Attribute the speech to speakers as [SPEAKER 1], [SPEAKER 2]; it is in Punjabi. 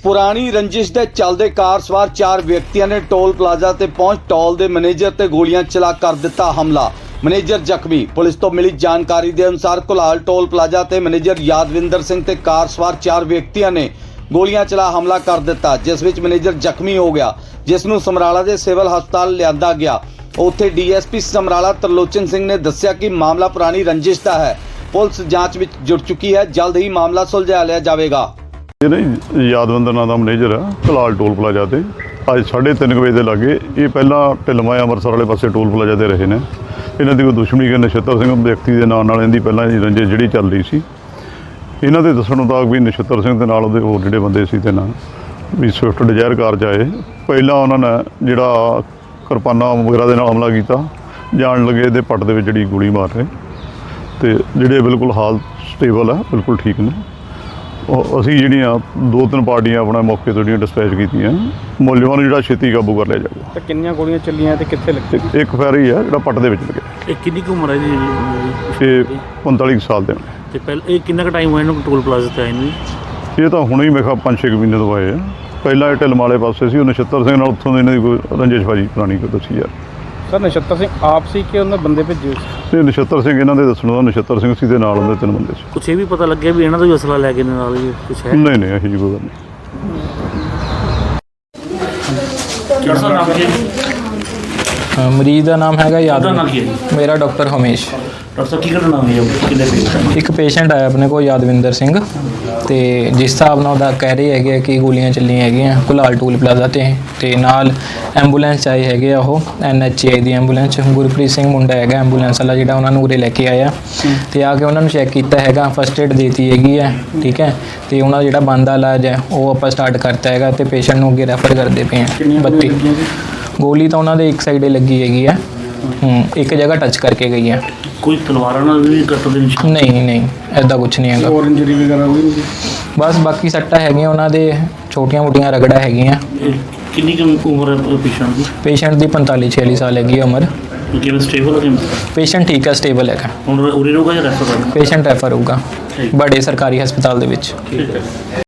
[SPEAKER 1] ਪੁਰਾਣੀ ਰੰਜਿਸ਼ ਦੇ ਚੱਲਦੇ ਕਾਰ ਸਵਾਰ 4 ਵਿਅਕਤੀਆਂ ਨੇ ਟੋਲ ਪਲਾਜ਼ਾ ਤੇ ਪਹੁੰਚ ਟੋਲ ਦੇ ਮੈਨੇਜਰ ਤੇ ਗੋਲੀਆਂ ਚਲਾ ਕਰ ਦਿੱਤਾ ਹਮਲਾ। ਮੈਨੇਜਰ ਜ਼ਖਮੀ। ਪੁਲਿਸ ਤੋਂ ਮਿਲੀ ਜਾਣਕਾਰੀ ਦੇ ਅਨੁਸਾਰ ਕੁਲਾਲ ਟੋਲ ਪਲਾਜ਼ਾ ਤੇ ਮੈਨੇਜਰ ਯਾਦਵਿੰਦਰ ਸਿੰਘ ਤੇ ਕਾਰ ਸਵਾਰ 4 ਵਿਅਕਤੀਆਂ ਨੇ ਗੋਲੀਆਂ ਚਲਾ ਹਮਲਾ ਕਰ ਦਿੱਤਾ, ਜਿਸ ਵਿੱਚ ਮੈਨੇਜਰ ਜ਼ਖਮੀ ਹੋ ਗਿਆ, ਜਿਸ ਨੂੰ ਸਮਰਾਲਾ ਦੇ ਸਿਵਲ ਹਸਪਤਾਲ ਲਿਆਂਦਾ ਗਿਆ। ਉੱਥੇ ਡੀਐਸਪੀ ਸਮਰਾਲਾ ਤਰਲੋਚਨ ਸਿੰਘ ਨੇ ਦੱਸਿਆ ਕਿ ਮਾਮਲਾ ਪੁਰਾਣੀ ਰੰਜਿਸ਼ ਦਾ ਹੈ। ਪੁਲਿਸ ਜਾਂਚ ਵਿੱਚ ਜੁੜ ਚੁੱਕੀ ਹੈ, ਜਲਦ ਹੀ ਮਾਮਲਾ ਸੁਲਝਾ ਲਿਆ ਜਾਵੇਗਾ।
[SPEAKER 2] ਇਹ ਨਾ ਯਾਦਵਿੰਦਰ ਨਾਂ ਦਾ ਮੈਨੇਜਰ ਆ ਕੁਲਾਲ ਟੋਲ ਪਲਾਜ਼ਾ ਤੇ ਅੱਜ 3:30 ਵਜੇ ਦੇ ਲਾਗੇ। ਇਹ ਪਹਿਲਾਂ ਢਿਲਮਾ ਅੰਮ੍ਰਿਤਸਰ ਵਾਲੇ ਪਾਸੇ ਟੋਲ ਪਲਾਜ਼ਾ ਤੇ ਰਹੇ ਨੇ। ਇਹਨਾਂ ਦੀ ਕੋਈ ਦੁਸ਼ਮਣੀ ਕਿ ਨਛੱਤਰ ਸਿੰਘ ਵਿਅਕਤੀ ਦੇ ਨਾਂ ਨਾਲ ਇਹਦੀ ਪਹਿਲਾਂ ਦੀ ਰੰਜਿਸ਼ ਜਿਹੜੀ ਚੱਲ ਰਹੀ ਸੀ। ਇਹਨਾਂ ਦੇ ਦੱਸਣ ਮੁਤਾਬਕ ਵੀ ਨਛੱਤਰ ਸਿੰਘ ਦੇ ਨਾਲ ਉਹਦੇ ਹੋਰ ਜਿਹੜੇ ਬੰਦੇ ਸੀ ਤੇ ਨਾਲ ਵੀ ਸਵਿਫਟ ਡਿਜ਼ਾਇਰ ਕਾਰ 'ਚ ਆਏ। ਪਹਿਲਾਂ ਉਹਨਾਂ ਨੇ ਜਿਹੜਾ ਕਿਰਪਾਨਾਂ ਵਗੈਰਾ ਦੇ ਨਾਲ ਹਮਲਾ ਕੀਤਾ, ਜਾਣ ਲੱਗੇ ਇਹਦੇ ਪੱਟ ਦੇ ਵਿੱਚ ਜਿਹੜੀ ਗੋਲੀ ਮਾਰ ਰਹੇ ਤੇ ਜਿਹੜੇ ਬਿਲਕੁਲ ਹਾਲ ਸਟੇਬਲ ਆ, ਬਿਲਕੁਲ ਠੀਕ ਨੇ। ਅਸੀਂ ਜਿਹੜੀਆਂ 2-3 ਪਾਰਟੀਆਂ ਆਪਣਾ ਮੌਕੇ ਤੋਂ ਜਿਹੜੀਆਂ ਡਿਸਪੈਚ ਕੀਤੀਆਂ, ਮੁਲਜ਼ਮਾਂ ਨੂੰ ਜਿਹੜਾ ਛੇਤੀ ਕਾਬੂ ਕਰ ਲਿਆ ਜਾਊਗਾ।
[SPEAKER 3] ਤਾਂ ਕਿੰਨੀਆਂ ਗੋਲੀਆਂ ਚੱਲੀਆਂ ਤੇ ਕਿੱਥੇ ਲੱਗੀ?
[SPEAKER 2] ਇੱਕ ਫੈਰ ਹੀ ਹੈ ਜਿਹੜਾ ਪੱਟ ਦੇ ਵਿੱਚ ਲੱਗਿਆ।
[SPEAKER 4] ਇਹ ਕਿੰਨੀ ਕੁ ਉਮਰ ਹੈ ਜੀ?
[SPEAKER 2] ਇਹ 45 ਸਾਲ ਦੇ ਨੇ।
[SPEAKER 4] ਤੇ ਪਹਿਲਾਂ ਇਹ ਕਿੰਨਾ ਕੁ ਟਾਈਮ ਹੋਇਆ ਇਹਨੂੰ ਟੋਲ ਪਲਾਜ਼ਾ ਤੇ ਆਏ ਨੂੰ?
[SPEAKER 2] ਇਹ ਤਾਂ ਹੁਣੇ ਹੀ ਮੈਂ ਕਿਹਾ 5-6 ਮਹੀਨੇ ਤੋਂ ਆਏ ਆ। ਪਹਿਲਾਂ ਇਹ ਢਿਲਮ ਵਾਲੇ ਪਾਸੇ ਸੀ, ਉਹ ਨਛੱਤਰ ਸਿੰਘ ਨਾਲ ਉੱਥੋਂ ਦੇ ਇਹਨਾਂ ਦੀ ਕੋਈ ਰੰਜਿਸ਼ਬਾਜੀ ਪੁਰਾਣੀ ਕੋਈ ਦੱਸੀ ਯਾਰ।
[SPEAKER 3] ਸਰ ਨਛੱਤਰ ਸਿੰਘ ਆਪ ਸੀ ਕਿ ਉਹਨਾਂ ਬੰਦੇ ਭੇਜੇ ਸੀ?
[SPEAKER 2] ਤੇ ਨਛੱਤਰ ਸਿੰਘ ਇਹਨਾਂ ਦੇ ਦੱਸਣ ਦਾ ਨਛੱਤਰ ਸਿੰਘ ਸੀ ਦੇ ਨਾਲ ਉਹਦੇ 3 ਬੰਦੇ ਸੀ।
[SPEAKER 4] ਕੁਛ ਇਹ ਵੀ ਪਤਾ ਲੱਗਿਆ ਵੀ ਇਹਨਾਂ ਦਾ ਵੀ ਅਸਲਾ ਲੈ ਕੇ ਨਾਲ ਹੀ ਕੁਛ ਹੈ?
[SPEAKER 2] ਨਹੀਂ ਇਹੋ ਜਿਹੀ ਕੋਈ ਗੱਲ ਨਹੀਂ।
[SPEAKER 4] ਕਿਹੜਾ ਸਰ ਨਾਮ ਹੈ?
[SPEAKER 5] ਮਰੀਜ਼ ਦਾ ਨਾਮ ਹੈਗਾ
[SPEAKER 4] ਉਹਦਾ ਨਾਮ ਕੀ ਹੈ ਜੀ?
[SPEAKER 5] ਮੇਰਾ ਡਾਕਟਰ ਹਮੇਸ਼।
[SPEAKER 4] ਡਾਕਟਰ ਸਾਹਿਬ ਕੀ ਘਟਨਾ ਹੋਈ ਹੈ? ਕਿੰਨੇ ਪੇਸ਼ੈਂਟ?
[SPEAKER 5] ਇੱਕ ਪੇਸ਼ੈਂਟ ਆਇਆ ਆਪਣੇ ਕੋਲ ਯਾਦਵਿੰਦਰ ਸਿੰਘ, ਤੇ ਜਿਸ ਹਿਸਾਬ ਨਾਲ ਉਹਦਾ ਕਹਿ ਰਹੇ ਹੈਗੇ ਕਿ ਗੋਲੀਆਂ ਚੱਲੀਆਂ ਹੈਗੀਆਂ ਕੁਲਾਲ ਟੋਲ ਪਲਾਜ਼ਾ ਤੇ ਨਾਲ ਐਂਬੂਲੈਂਸ ਆਈ ਹੈਗੇ ਆ, ਉਹ NHI ਦੀ ਐਂਬੂਲੈਂਸ। ਗੁਰਪ੍ਰੀਤ ਸਿੰਘ ਮੁੰਡਾ ਹੈਗਾ ਐਂਬੂਲੈਂਸ ਵਾਲਾ ਜਿਹੜਾ ਉਹਨਾਂ ਨੂੰ ਉਰੇ ਲੈ ਕੇ ਆਇਆ, ਤੇ ਆ ਕੇ ਉਹਨਾਂ ਨੂੰ ਚੈੱਕ ਕੀਤਾ ਹੈਗਾ, ਫਸਟ ਏਡ ਦੇਤੀ ਹੈਗੀ ਹੈ, ਠੀਕ ਹੈ। ਤੇ ਉਹਨਾਂ ਦਾ ਜਿਹੜਾ ਬਣਦਾ ਇਲਾਜ ਹੈ ਉਹ ਆਪਾਂ ਸਟਾਰਟ ਕਰਤਾ ਹੈਗਾ, ਤੇ ਪੇਸ਼ੈਂਟ ਨੂੰ ਅੱਗੇ ਰੈਫਰ ਕਰਦੇ ਪਏ ਹਾਂ। 32 ਗੋਲੀ ਤਾਂ ਉਹਨਾਂ ਦੇ ਇੱਕ ਸਾਈਡੇ ਲੱਗੀ ਹੈਗੀ ਹੈ, ਇੱਕ ਜਗ੍ਹਾ ਟੱਚ ਕਰਕੇ ਗਈ ਹੈ।
[SPEAKER 4] ਕੋਈ ਤਲਵਾਰਾਂ ਨਾਲ ਵੀ ਕੱਟ ਦੇ ਨਿਸ਼ਾਨ?
[SPEAKER 5] ਨਹੀਂ ਐਦਾਂ ਕੁਝ ਨਹੀਂ ਹੈਗਾ।
[SPEAKER 3] ਹੋਰ ਇੰਜਰੀ ਵਗੈਰਾ ਹੋਈ ਨਹੀਂ?
[SPEAKER 5] ਬਸ ਬਾਕੀ ਸੱਟਾਂ ਹੈਗੀਆਂ ਉਹਨਾਂ ਦੇ, ਛੋਟੀਆਂ-ਮੋਟੀਆਂ ਰਗੜਾ ਹੈਗੀਆਂ।
[SPEAKER 4] ਕਿੰਨੀ ਕੁ ਉਮਰ ਹੈ ਪੇਸ਼ੈਂਟ ਦੀ?
[SPEAKER 5] ਪੇਸ਼ੈਂਟ ਦੀ 45-46 ਸਾਲ ਹੈਗੀ ਹੈ ਉਮਰ।
[SPEAKER 4] ਕਿਵੇਂ ਸਟੇਬਲ ਹੈ?
[SPEAKER 5] ਪੇਸ਼ੈਂਟ ਠੀਕ ਹੈ, ਸਟੇਬਲ ਹੈਗਾ।
[SPEAKER 4] ਹੁਣ ਉਰੇ ਰਹੂਗਾ ਜਾਂ ਰੈਫਰ ਕਰਨਾ?
[SPEAKER 5] ਪੇਸ਼ੈਂਟ ਰੈਫਰ ਹੋਊਗਾ ਬੜੇ ਸਰਕਾਰੀ ਹਸਪਤਾਲ ਦੇ ਵਿੱਚ।
[SPEAKER 4] ਠੀਕ ਹੈ।